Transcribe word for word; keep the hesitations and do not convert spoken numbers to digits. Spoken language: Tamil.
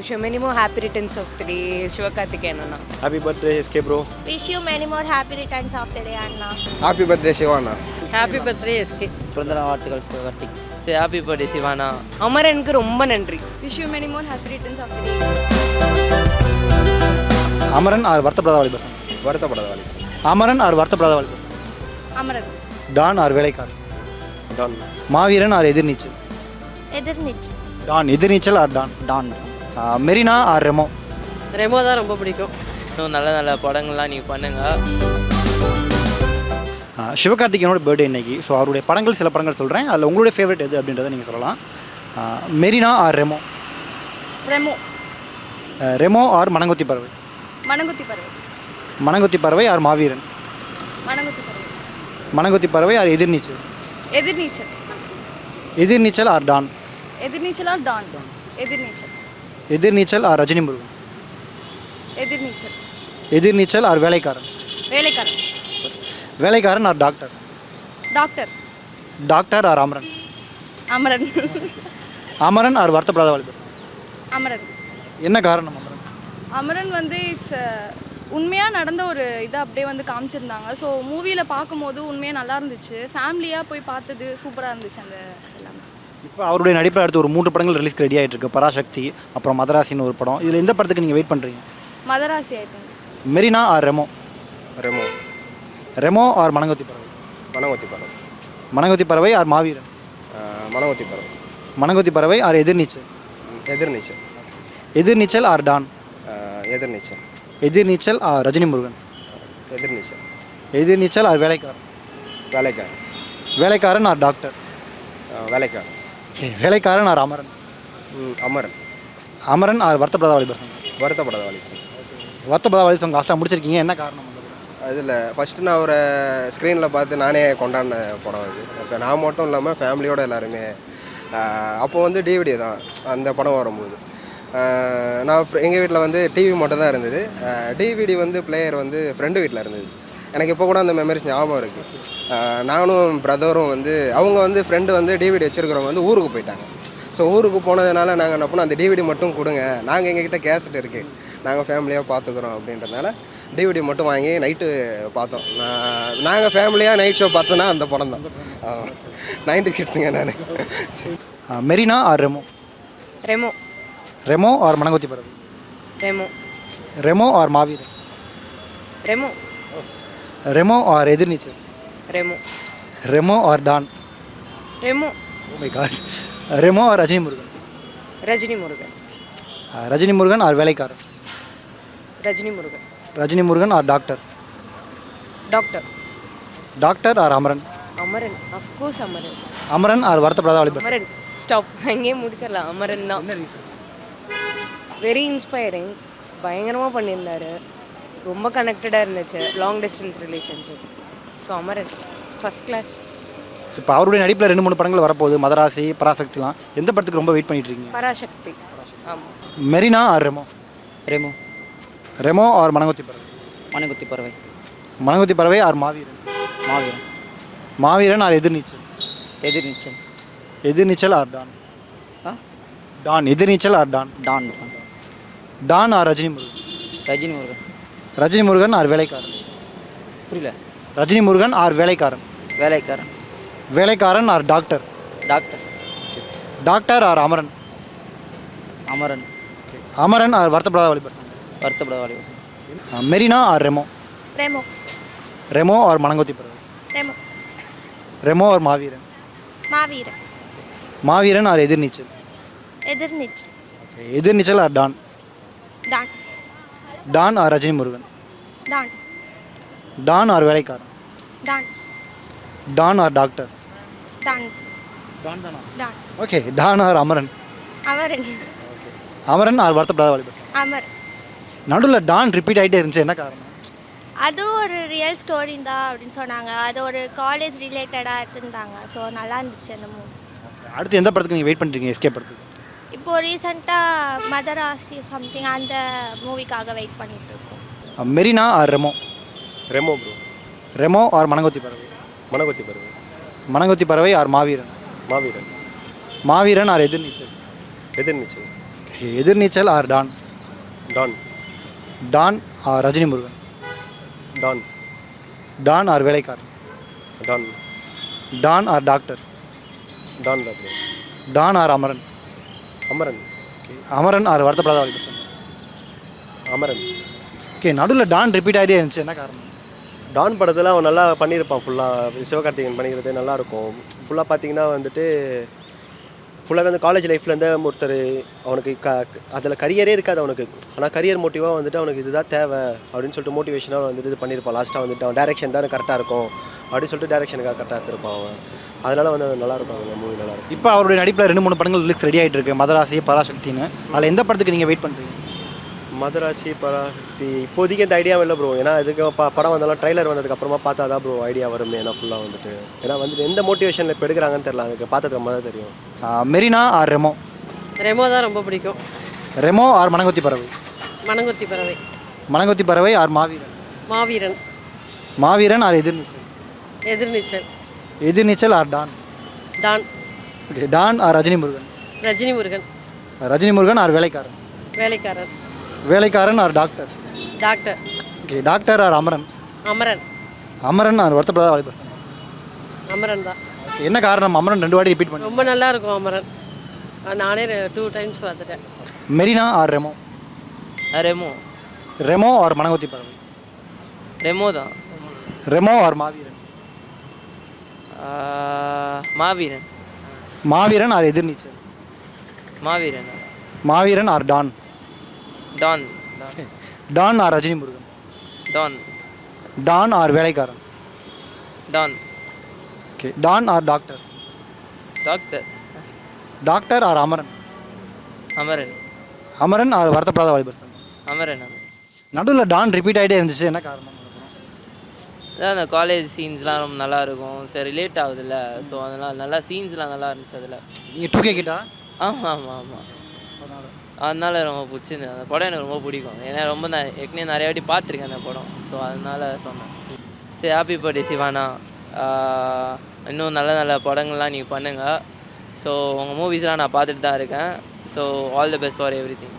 Wish you many more happy returns of the day, Sivakarthikeyan Anna. Happy birthday, S K bro. Wish you many more happy returns of the day, Anna. Happy birthday, Shivana. Happy birthday, S K. பிறந்தநாள் வாழ்த்துக்கள் Sivakarthik. Say happy birthday, Shivana. அமரனுக்கு ரொம்ப நன்றி. Wish you many more happy returns of the day. Amaran or Varuthapadatha Valibar. Varuthapadatha Valibar. Amaran or Varuthapadatha Valibar. Amaran. Don or Velaikkaran. Don. Maaveeran or Ethir Neechal. Ethir Neechal. Don Ethir Neechal or Don. Don. Marina or Remo. Remo தான் ரொம்ப பிடிக்கும். இன்னும் நல்ல நல்ல படங்கள்லாம் நீங்கள் பண்ணுங்கள். சிவகார்த்திகேயனோட பர்த்டே இன்னைக்கு. ஸோ அவருடைய படங்கள் சில படங்கள் சொல்கிறேன். அதில் உங்களுடைய ஃபேவரட் எது அப்படின்றத நீங்கள் சொல்லலாம். Marina or Remo. Remo. Remo or Manamkothi Paravai. Manamkuthi Paravai. Manamkothi Paravai or மாவீரன். மணங்குத்தி Paravai. Manamkothi Paravai or Ethir Neechal. Ethir Neechal. Ethir Neechal or Don. எதிர்நீச்சலா Don. Ethir Neechal. Ethir Neechal or Rajini Murugan. Ethir Neechal. Ethir Neechal or Velaikkaran. Velaikkaran. Velaikkaran or Doctor. Doctor. Doctor or Amaran. Amaran. Amaran or Varuthapadatha Valibar. Amaran. என்ன காரணம் அமரன்? அமரன் வந்து இட்ஸ் உண்மையாக நடந்த ஒரு இதை அப்படியே வந்து காமிச்சிருந்தாங்க. ஸோ மூவியில் பார்க்கும்போது உண்மையாக நல்லா இருந்துச்சு. ஃபேமிலியாக போய் பார்த்தது சூப்பராக இருந்துச்சு அந்த எல்லாமே. இப்போ அவருடைய நடிப்பில் அடுத்து ஒரு மூன்று படங்கள் ரிலீஸ்க்கு ரெடி ஆகிட்டு இருக்கு. பராசக்தி, அப்புறம் மதராசின்னு ஒரு படம். இதில் எந்த படத்துக்கு நீங்கள் வெயிட் பண்ணுறீங்க? Madharasi I think. Marina or Remo. Remo. Remo or Manamkothi Paravai. Manamkothi Paravai. Manamkothi Paravai or மாவீரன். மணங்கொத்தி Paravai. Manamkothi Paravai or Ethir Neechal. Ethir Neechal. Ethir Neechal or Don. Ethir Neechal. Ethir Neechal or Rajini Murugan. Ethir Neechal. Ethir Neechal or Velaikkaran. Velaikkaran. Velaikkaran or Doctor. Velaikkaran. Okay, Velaikkaran or Amaran. Amaran. Amaran or Varuthapadatha Valibar. Varuthapadatha Valibar. Varuthapadatha வாலிபர் லாஸ்ட்டாக முடிச்சிருக்கீங்க. என்ன காரணம்? அதில் ஃபஸ்ட்டு நான் ஒரு ஸ்க்ரீனில் பார்த்து நானே கொண்டாடின படம் அது. இப்போ நான் மட்டும் இல்லாமல் ஃபேமிலியோடு எல்லாருமே. அப்போ வந்து டிவிடி தான் அந்த படம் வரும்போது நான் எங்கள் வீட்டில் வந்து டிவி மட்டும் தான் இருந்தது. டிவிடி வந்து பிளேயர் வந்து ஃப்ரெண்டு வீட்டில் இருந்தது. எனக்கு இப்போ கூட அந்த மெமரிஸ் ஞாபகம் இருக்குது. நானும் பிரதரும் வந்து அவங்க வந்து ஃப்ரெண்டு வந்து டிவிடி வச்சுருக்கிறவங்க வந்து ஊருக்கு போயிட்டாங்க. ஸோ ஊருக்கு போனதுனால நாங்கள் என்ன பண்ணோம், அந்த டிவிடி மட்டும் கொடுங்க, நாங்கள் எங்ககிட்ட கேசட் இருக்குது, நாங்கள் ஃபேமிலியாக பார்த்துக்குறோம் அப்படின்றதுனால டிவிடி மட்டும் வாங்கி நைட்டு பார்த்தோம். நான் நாங்கள் ஃபேமிலியாக நைட் ஷோ பார்த்தோன்னா அந்த படம் தான். நைன்டி கிட்ஸுங்க நான். Marina or Remo. Remo. Remo or Manamkothi Paravai. Remo. Remo or Maaveeran. Remo. Remo or Ethir Neechal. Remo. Remo or Don. Remo. Oh my God. Remo or Rajini Murugan. Rajini Murugan. Rajini Murugan or Velaikkaran. Rajini Murugan. Rajini Murugan or Doctor. Doctor. Doctor or Amaran. Amaran. Of course Amaran. Amaran or Varuthapadatha Valibar. Amaran. Stop, அங்கேயே முடிச்சிடலாம். அமரன் தான். Very inspiring. பயங்கரமாக பண்ணியிருந்தாரு. ரொம்ப கனெக்டடாக இருந்துச்சு. Long distance relationship. So Amaran first class. இப்போ அவருடைய நடிப்பில் ரெண்டு மூணு படங்கள் வரப்போகுது. மதராசி, பராசக்திலாம். எந்த படத்துக்கு ரொம்ப வெயிட் பண்ணிட்டு இருக்கீங்க? பராசக்தி. ஆமாம். Marina or Remo. Remo. Remo or Manamkothi Paravai. Manamkuthi Paravai. Manamkothi Paravai or Maaveeran. Maaveeran. Maaveeran or Ethir Neechal. Ethir Neechal. Ethir Neechal or Don. ஆ Don. Ethir Neechal or Don. Don. Don or Rajini Murugan. Rajini Murugan. Rajini Murugan or Velaikkaran. புரியல. Rajini Murugan or Velaikkaran. Velaikkaran. Velaikkaran or Doctor. Doctor. Doctor or Amaran. Amaran. Amaran or Varuthapadatha Valibar. Varuthapadatha Valibar. Marina or Remo. Remo. Remo or Manamkothi Paravai. Remo. Remo or Maaveeran. Maaveeran. Maaveeran or Ethir Neechal. Ethir Neechal. Okay, Ethir Neechal or Don. Don. Don or Rajini Murugan. Don. Don or Velaikkaran. Don. Don or Doctor. Don. Don தானா? Don. Okay, Don or Amaran. Amaran. Amaran or Varuthapadatha Valibar. Amar. நடுவில் டான் ரிப்பீட் ஆகிட்டே இருந்துச்சு. என்ன காரணம்? அது ஒரு ரியல் ஸ்டோரி தான் அப்படின்னு சொன்னாங்க. அது ஒரு காலேஜ் ரிலேட்டடாக எடுத்துருந்தாங்க. ஸோ நல்லா இருந்துச்சு அந்த மூவி. அடுத்து எந்த படத்துக்கு நீங்கள் வெயிட் பண்ணுறீங்க? எஸ்கே படத்துக்கு? இப்போது ரீசெண்டாக மதராசி சம்திங் அந்த மூவிக்காக வெயிட் பண்ணிட்டு இருக்கோம். Marina or Remo. Remo bro. Remo or Manamkothi Paravai. Manamkothi Paravai. Manamkothi Paravai or Maaveeran. Maaveeran. Maaveeran or Ethir Neechal. Ethir Neechal. Ethir Neechal or Don? Don. Don or Rajini Murugan? Don. Don or Velaikkaran? Don. Don or Doctor? Don தான் bro. Don or Amaran? Amaran. Okay, Amaran or Varuthapadatha Valibar? Amaran. Okay, நடுவில் டான் ரிப்பீட் ஆகிட்டே இருந்துச்சு, என்ன காரணம்? டான் படத்தில் அவன் நல்லா பண்ணியிருப்பான். ஃபுல்லாக சிவகார்த்திகேயன் பண்ணிக்கிறது நல்லாயிருக்கும். ஃபுல்லாக பார்த்தீங்கன்னா வந்துட்டு ஃபுல்லாகவே வந்து காலேஜ் லைஃப்லேருந்து ஒருத்தர் அவனுக்கு க அதில் கரியரே இருக்காது அவனுக்கு. ஆனால் கரியர் மோட்டிவாக வந்துட்டு அவனுக்கு இதுதான் தேவை அப்படின்னு சொல்லிட்டு மோட்டிவேஷனாக வந்துட்டு இது பண்ணியிருப்பான். லாஸ்ட்டாக வந்துட்டு அவன் டேரெக்ஷன் தான் கரெக்டாக இருக்கும் அப்படின்னு சொல்லிட்டு டேரெக்ஷனுக்காக கரெக்டாக எடுத்திருப்பான் அவன். அதனால் வந்து நல்லாயிருக்கும் அந்த மூவி நல்லாயிருக்கும். இப்போ அவருடைய நடிப்பில் ரெண்டு மூணு படங்கள் ரிலீஸ் ரெடி ஆகிட்டு இருக்கு, மதராசி, பராசக்தின்னு. அதில் எந்த படத்துக்கு நீங்கள் வெயிட் பண்ணுறீங்க? மதராசி, பராசக்தி இப்போதைக்கு இந்த ஐடியாவும் இல்லை ப்ரோ. ஏன்னா இதுக்கு ப படம் வந்தாலும் ட்ரைலர் வந்ததுக்கப்புறமா பார்த்தா தான் ப்ரோ ஐடியா வரும். ஏன்னா ஃபுல்லாக வந்துட்டு ஏன்னா வந்துட்டு எந்த மோட்டிவேஷனில் இப்போ எடுக்கிறாங்கன்னு தெரியல. அதுக்கு பார்த்ததுக்கு அம்மா தான் தெரியும். மெரினா ஆர் ரெமோ? ரெமோ தான் ரொம்ப பிடிக்கும். Remo or Manamkothi Paravai? Manamkothi Paravai. Manamkothi Paravai or Maaveeran? Maaveeran. Maaveeran or Ethir Neechal? Ethir Neechal. Ethir Neechal or Don? Don. Okay, Don or Rajini Murugan? Rajini Murugan. Rajini Murugan or Velaikkaran? Velaikkaran. Velaikkaran or Doctor? Doctor. Okay, Doctor or Amaran? Amaran. Amaran or Varuthapadatha Valibar? Amaran தான். ஓகே, என்ன காரணம் அமரன் ரெண்டு வாட்டி ரிப்பீட் பண்ணி? ரொம்ப நல்லா இருக்கும் அமரன். அது நானே டூ டைம்ஸ் பார்த்துட்டேன். மெரினா ஆர் ரெமோ? ரெமோ. ரெமோ ஆர் மணங்கொத்தி பறவை? ரெமோ தான். Remo or Maaveeran? Maaveeran. Maaveeran or Ethir Neechal? Maaveeran. Maaveeran or Don? Don. Don or Rajini Murugan? Don. Don or Velaikkaran? Don. Okay, Don or Doctor? Doctor. Doctor or Amaran? Amaran. Amaran or Varuthapadatha Valibar? Amaran. நடுவில் டான் ரிப்பீட் ஆகிட்டே இருந்துச்சு, என்ன காரணம்? அதான் அந்த காலேஜ் சீன்ஸ்லாம் ரொம்ப நல்லா இருக்கும். சரி ரிலேட் ஆகுதுல்ல, ஸோ அதனால் நல்லா சீன்ஸ்லாம் நல்லா இருந்துச்சு அதில். நீங்கள் டூ கே கிட்டா? ஆமாம் ஆமாம் ஆமாம். அதனால ரொம்ப பிடிச்சிருந்தது அந்த படம். எனக்கு ரொம்ப பிடிக்கும். ஏன்னா ரொம்ப நான் ஏற்கனவே நிறைய வாட்டி பார்த்துருக்கேன் அந்த படம். ஸோ அதனால சொன்னேன். சரி, ஹாப்பி பர்த்டே சிவானா. இன்னும் நல்ல நல்ல படங்கள்லாம் நீங்கள் பண்ணுங்கள். ஸோ உங்கள் மூவிஸ்லாம் நான் பார்த்துட்டு தான் இருக்கேன். So all the best for every thing.